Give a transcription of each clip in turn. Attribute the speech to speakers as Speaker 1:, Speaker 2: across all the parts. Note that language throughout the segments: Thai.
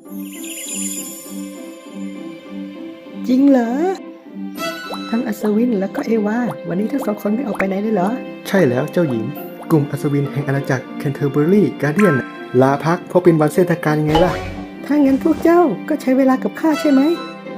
Speaker 1: จริงเหรอทั้งอัศวินแล้วก็เอวาวันนี้ทั้งสองคนไม่ออกไปไหนเลยเหรอใช่แล้วเจ้าหญิงกลุ่มอัศวินแห่งอาณาจักรแคนเทอร์เบอรี่การ์เดียนลาพักเพราะเป็นวันเทศกาลยังไงล่ะถ้างั้นพวกเจ้าก็ใช้เวลากับข้าใช่ไหม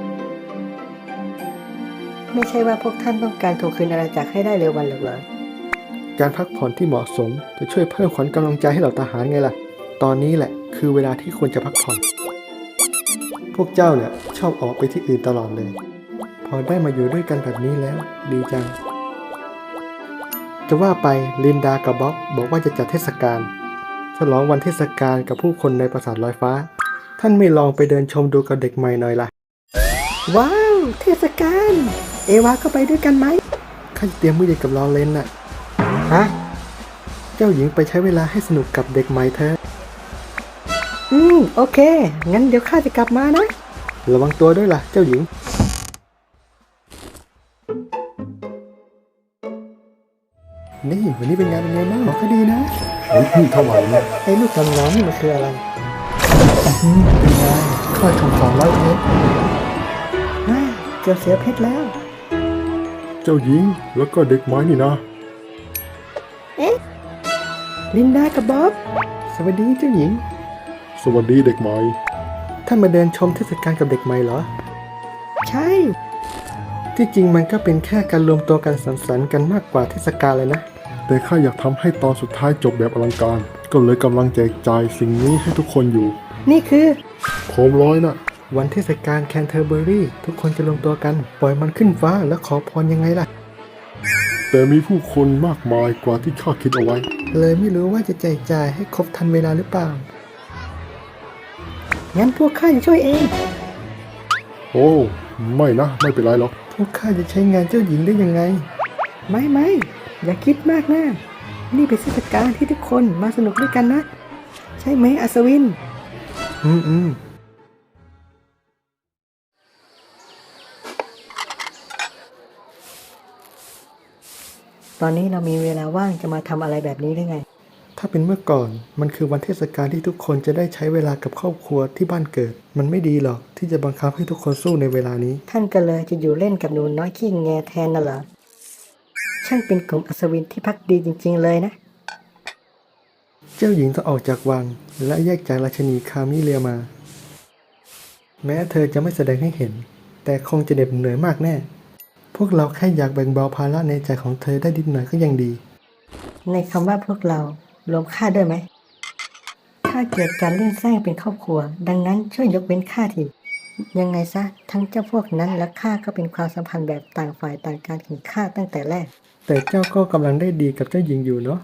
Speaker 1: ไม่ใช่ว่าพวกท่านต้องการทวงคืนอาณาจักรให้ได้เร็ววันหรอกเหรอการพักผ่อนที่เหมาะสมจะช่วยเพิ่มขวัญกำลังใจให้เหล่าทหารไงล่ะตอนนี้แหละคือเวลาที่ควรจะพักผ่อนพวกเจ้าเนี่ยชอบออกไปที่อื่นตลอดเลยพอได้มาอยู่ด้วยกันแบบนี้แล้วดีจังจะว่าไปลินดากับบ๊อบบอกว่าจะจัดเทศกาลฉลองวันเทศกาลกับผู้คนในปราสาทลอยฟ้าท่านไม่ลองไปเดินชมดูกับเด็กใหม่หน่อยล่ะว้าวเทศกาลเอวาก็ไปด้วยกันไหมข้าจะเตรียมมื้อเย็นกับลอเรนน่ะฮะเจ้าหญิงไปใช้เวลาให้สนุกกับเด็กใหม่เธอโอเคงั้นเดี๋ยวข้าจะกลับมานะระวังตัวด้วยล่ะเจ้าหญิงนี่วันนี้เป็นไงบ้างก็ดีนะ
Speaker 2: นี่เท่าไหร่เนี่ย
Speaker 1: ไอ้ลูกดำน้ำนี่มันคืออะไรเป็นไงค่อยถูก200 เพชรเกือบเสียเพชรแล้ว
Speaker 2: เจ้าหญิงแล้วก็เด็กไม้นี่นะ
Speaker 1: ลินดากับบ๊อบ สวัสดีเจ้าหญิง
Speaker 2: สวัสดีเด็กไม้
Speaker 1: ท่านมาเดินชมเทศกาลกับเด็กใหม่เหรอ ใช่ ที่จริงมันก็เป็นแค่การรวมตัวกันสังสรรค์กันมากกว่าเทศกาลเลยนะ
Speaker 2: แต่ข้าอยากทำให้ตอนสุดท้ายจบแบบอลังการ ก็เลยกำลังแจกจ่ายสิ่งนี้ให้ทุกคนอยู่
Speaker 1: นี่คือ
Speaker 2: โคมร้อยนะ
Speaker 1: วันเทศกาลแคนเทอร์เบอรี่ทุกคนจะรวมตัวกันปล่อยมันขึ้นฟ้าแล้วขอพรยังไงล่ะ
Speaker 2: แต่มีผู้คนมากมายกว่าที่ข้าคิดเอาไว้
Speaker 1: เลยไม่รู้ว่าจะแจกจ่ายให้ครบทันเวลาหรือเปล่า งั้นพวกข้าจะช่วยเอง
Speaker 2: โอ้ไม่นะไม่เป็นไรหรอก
Speaker 1: พวกข้าจะใช้งานเจ้าหญิงได้ยังไง ไม่อย่าคิดมากนะนี่เป็นเทศกาลที่ทุกคนมาสนุกด้วยกันนะ ใช่ไหมอัศวิน ตอนนี้เรามีเวลาว่างจะมาทำอะไรแบบนี้ได้ไง ถ้าเป็นเมื่อก่อนมันคือวันเทศกาลที่ทุกคนจะได้ใช้เวลากับครอบครัวที่บ้านเกิด มันไม่ดีหรอกที่จะบังคับให้ทุกคนสู้ในเวลานี้ ท่านก็เลยจะอยู่เล่นกับหนูน้อยขี้แงแทนน่ะเหรอ ช่างเป็นกลุ่มอัศวินที่พักดีจริงๆเลยนะ เจ้าหญิงต้องออกจากวังและแยกจากราชนีคามิเลียมา แม้เธอจะไม่แสดงให้เห็น แต่คงจะเหน็ดเหนื่อยมากแน่ พวกเราแค่อยากแบ่งเบาภาระในใจของเธอได้นิดหน่อยก็ยังดี ในคำว่าพวกเรารวมข้าด้วยไหมข้าเกลียดการเล่นแซงเป็นครอบครัว ดังนั้นช่วยยกเว้นข้าทียังไงซะทั้งเจ้าพวกนั้นและข้าก็เป็นความสัมพันธ์แบบต่างฝ่ายต่างการถึงข้าตั้งแต่แรก แต่เจ้าก็กำลังได้ดีกับเจ้าหญิงอยู่เนาะ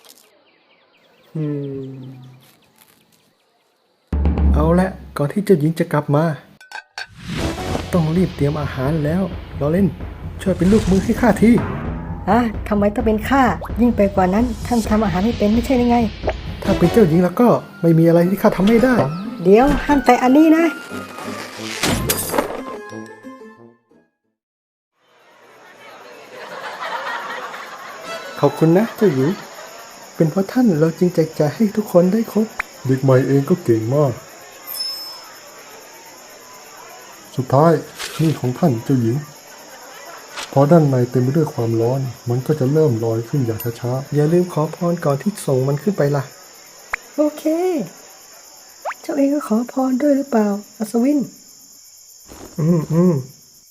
Speaker 1: เอาละก่อนที่เจ้าหญิงจะกลับมา ต้องรีบเตรียมอาหารแล้วลอเรนช่วยเป็นลูกมือให้ข้าทีทำไมต้องเป็นข้ายิ่งไปกว่านั้นท่านทำอาหารให้เป็นไม่ใช่ยังไง ถ้าเป็นเจ้าหญิงแล้วก็ไม่มีอะไรที่ข้าทำไม่ได้ เดี๋ยวห้ามแต่อันนี้นะ ขอบคุณนะเจ้าหญิง เป็นเพราะท่านเราจึงแจกจ่ายให้ทุกคนได้ครบ
Speaker 2: เด็กใหม่เองก็เก่งมาก สุดท้ายนี่ของท่านเจ้าหญิง พอด้านในเต็มไปด้วยความร้อนมันก็จะเริ่มลอยขึ้นอย่างช้า
Speaker 1: อย่าลืมขอพรก่อนที่ส่งมันขึ้นไปล่ะ โอเค เจ้าเองก็ขอพรด้วยหรือเปล่าอัศวิน อืม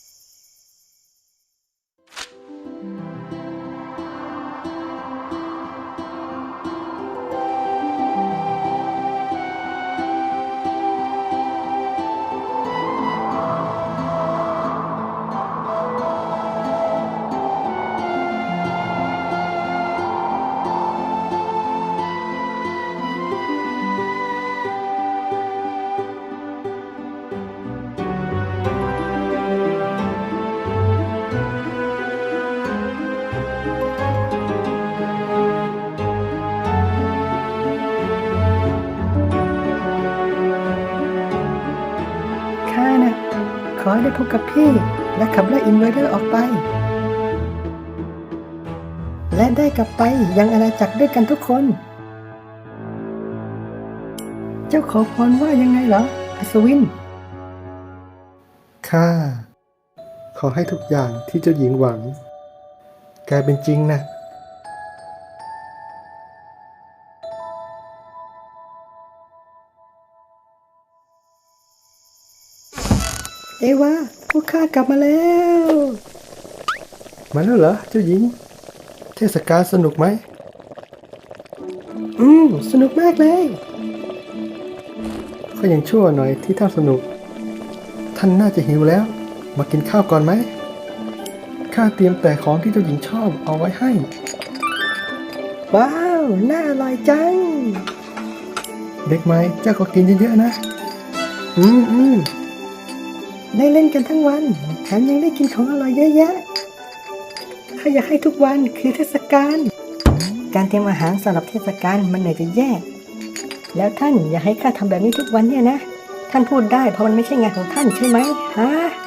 Speaker 1: ข้าน่ะขอให้ได้พบกับพี่และขับไล่อินเวเดอร์ออกไป และได้กลับไปยังอาณาจักรด้วยกันทุกคน เจ้าขอพรว่ายังไงเหรออัศวิน ข้า ขอให้ทุกอย่างที่เจ้าหญิงหวังกลายเป็นจริงนะ เอวาพวกข้ากลับมาแล้ว มาแล้วเหรอเจ้าหญิง เทศกาลสนุกไหม สนุกมากเลยก็ยังชั่วหน่อยที่ท่านสนุก ท่านน่าจะหิวแล้ว มากินข้าวก่อนไหม ข้าเตรียมแต่ของที่เจ้าหญิงชอบเอาไว้ให้ ว้าว น่าอร่อยจัง เด็กไหมเจ้าก็กินเยอะๆนะ ได้เล่นกันทั้งวันแถมยังได้กินของอร่อยเยอะแยะข้าอยากให้ทุกวันคือเทศกาล การเตรียมอาหารสำหรับเทศกาลมันเหนื่อยจะแย่ แล้วท่านอยากให้ข้าทำแบบนี้ทุกวันเนี่ยนะ ท่านพูดได้เพราะมันไม่ใช่งานของท่านใช่ไหมฮะ